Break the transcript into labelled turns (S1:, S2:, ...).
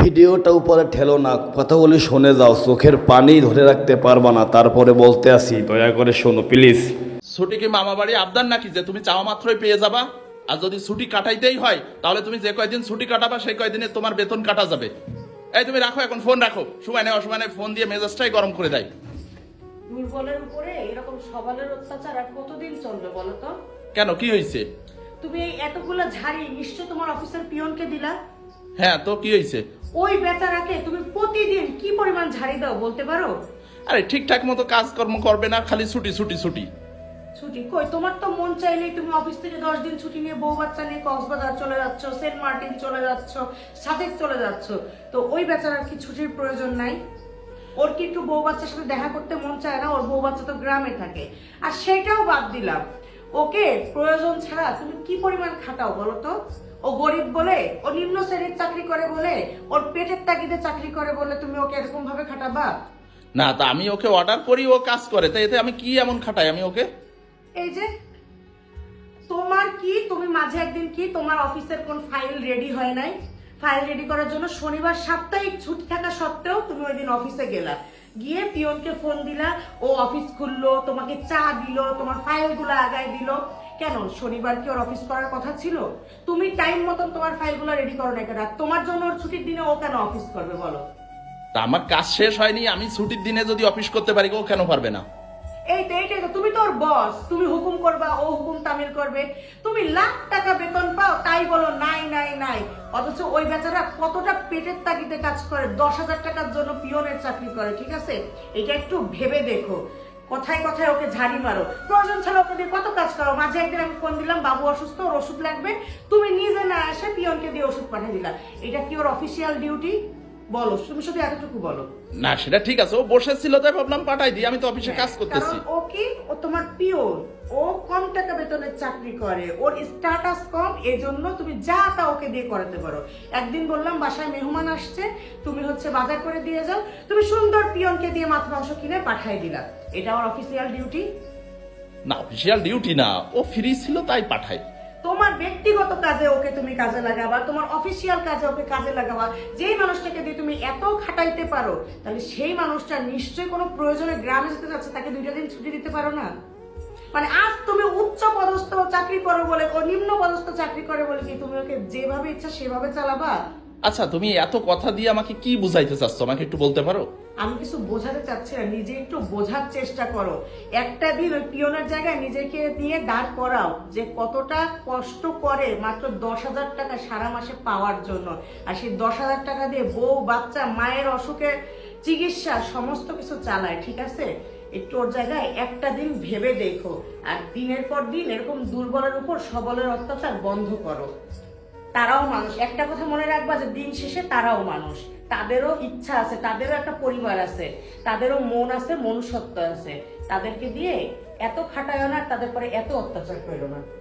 S1: ভিডিওটা উপরে ঠেলো না, কথা বলি শুনে যাও, চোখের পানি ধরে রাখতে পারবা না, তারপরে বলতে আসি, দয়া করে শোনো প্লিজ।
S2: ছুটি কি মামা বাড়ি আবদার নাকি যে তুমি চাওয়া মাত্রই পেয়ে যাবা? আর যদি ছুটি কাটাইতেই হয় তাহলে তুমি যে কয়দিন ছুটি কাটাবা সেই কয়দিনে তোমার বেতন কাটা যাবে। এই তুমি রাখো, এখন ফোন রাখো, সময় নেই অসময় নেই, ফোন দিয়ে মেজাজটাই গরম করে দেয়।
S3: দুর্বলের উপরে এরকম সবলের অত্যাচার আর কতদিন চলবে বলো তো?
S2: কেন, কি হয়েছে?
S3: তুমি এই এতগুলো ঝাড়ি নিশ্চয় তোমার অফিসের পিয়নকে দিলা।
S2: হ্যাঁ, তো কি হয়েছে?
S3: ওই বেচারাকে তুমি প্রতিদিন কি পরিমাণ ঝাড়ি দাও বলতে পারো?
S2: আরে ঠিকঠাক মতো কাজকর্ম করবে না, খালি ছুটি ছুটি ছুটি।
S3: ছুটি কই? তোমার তো মন চাইলেই তুমি অফিস থেকে 10 দিন ছুটি নিয়ে বউ বাচ্চা নিয়ে কক্সবাজার চলে যাচ্ছ, সেন্ট মার্টিন চলে যাচ্ছ, সাজেক চলে যাচ্ছ। তো ওই বেচারার কি ছুটির প্রয়োজন নাই? ওর কি একটু বউ বাচ্চার সাথে দেখা করতে মন চায় না? ওর বউ বাচ্চা তো গ্রামে থাকে। আর সেটাও বাদ দিলাম, ওকে প্রয়োজন ছাড়া তুমি কি পরিমাণ খাটাও বলো তো? ও গরিব বলে, ও নিম্ন শ্রেণীর চাকরি করে বলে, ওর পেটের তাগিদে চাকরি করে বলে তুমি ওকে এরকম ভাবে খাটাবা?
S2: না, তা আমি ওকে অর্ডার করি, ও কাজ করে, তাই এতে আমি কি এমন খাটাই আমি ওকে?
S3: এই যে তোমার কি, তুমি মাঝে একদিন কি তোমার অফিসের কোন ফাইল রেডি হয় নাই? ফাইল রেডি করার জন্য শনিবার সাপ্তাহিক ছুটি থাকা সত্ত্বেও তুমি ওই দিন অফিসে গেলা, গিয়ে পিয়নকে ফোন দিলা, ও অফিস খুললো, তোমাকে চা দিল, তোমার ফাইলগুলো আগায় দিল। কেন, শনিবার কি ওর অফিস করার কথা ছিল? তুমি টাইম মতন তোমার ফাইলগুলো রেডি করো না কেন? তোমার জন্য ওর ছুটির দিনে ও কেন অফিস করবে বলো?
S2: তা আমার কাজ শেষ হয়নি, আমি ছুটির দিনে যদি অফিস করতে পারি, ও কেন পারবে না?
S3: এইটাই তো, তুমি তো ওর বস, তুমি হুকুম করবা, ও হুকুম তামিল করবে। তুমি লাখ টাকা বেতন পাও, তাই বলো নাই নাই নাই। অথচ ওই বেচারা কতটা পেটের তাগিদে কাজ করে, 10,000 টাকার জন্য পিয়নের চাকরি করে, ঠিক আছে? এটা একটু ভেবে দেখো। কথায় কথায় ওকে ঝাড়ি মারো, প্রয়োজন ছাড়া ওকে দিয়ে কত কাজ করো। মাঝে একদিন আমি ফোন দিলাম, বাবু অসুস্থ, ওর ওষুধ লাগবে, তুমি নিজে না এসে পিয়নকে দিয়ে ওষুধ পাঠিয়ে দিলা। এটা কি ওর অফিসিয়াল ডিউটি? বলো, তুমি শুধু এতটুকু বলো।
S2: না, সেটা ঠিক আছে, ও বসেছিল তাই ভাবলাম পাঠাই দিই, আমি তো অফিসে কাজ করতেছি।
S3: কারণ ও কি, ও তোমার পিওন, ও কম টাকা বেতনের চাকরি করে, ওর স্ট্যাটাস কম, এজন্য তুমি যা তা ওকে দিয়ে করাতে পারো। একদিন বললাম বাসায় মেহমান আসছে, তুমি হচ্ছে বাজার করে দিয়ে যাও, তুমি সুন্দর পিয়নকে দিয়ে মাছ মাংস কিনে পাঠাই দিলা। এটা আমার অফিসিয়াল ডিউটি?
S2: না, অফিসিয়াল ডিউটি না, ও ফ্রি ছিল তাই পাঠাই।
S3: তোমার ব্যক্তিগত কাজে ওকে তুমি কাজে লাগাবা, তোমার অফিসিয়াল কাজে ওকে কাজে লাগাবা। যেই মানুষটাকে দিয়ে তুমি এত খাটাইতে পারো, তাহলে সেই মানুষটা নিশ্চয়ই কোনো প্রয়োজনে গ্রামে যেতে যাচ্ছে, তাকে 2টা দিন ছুটি দিতে পারো না? মানে আজ তুমি উচ্চ পদস্থ চাকরি করো বলে, ও নিম্ন পদস্থ চাকরি করে বলে কি তুমি ওকে যেভাবে ইচ্ছা সেভাবে চালাবা?
S2: আচ্ছা, তুমি এত কথা দিয়ে আমাকে কি বুঝাইতে চাচ্ছ, আমাকে একটু বলতে পারো?
S3: আমি কিছু বোঝাতে চাচ্ছি না, নিজে একটু বোঝার চেষ্টা করো। একটা দিন ওই পিয়নের জায়গায় নিজেকে নিয়ে দাঁড় করাও, যে কতটা কষ্ট করে মাত্র 10,000 টাকা সারা মাসে পাওয়ার জন্য। আর সেই 10,000 টাকা দিয়ে বউ বাচ্চা মায়ের অসুখের চিকিৎসা সমস্ত কিছু চালায়, ঠিক আছে? একটু ওর জায়গায় একটা দিন ভেবে দেখো, আর দিনের পর দিন এরকম দুর্বলের উপর সবলের অত্যাচার বন্ধ করো। তারাও মানুষ, একটা কথা মনে রাখবা যে দিন শেষে তারাও মানুষ, তাদেরও ইচ্ছা আছে, তাদেরও একটা পরিবার আছে, তাদেরও মন আছে, মনুষ্যত্ব আছে। তাদেরকে দিয়ে এত খাটায় না, তাদের পরে এত অত্যাচার করো না।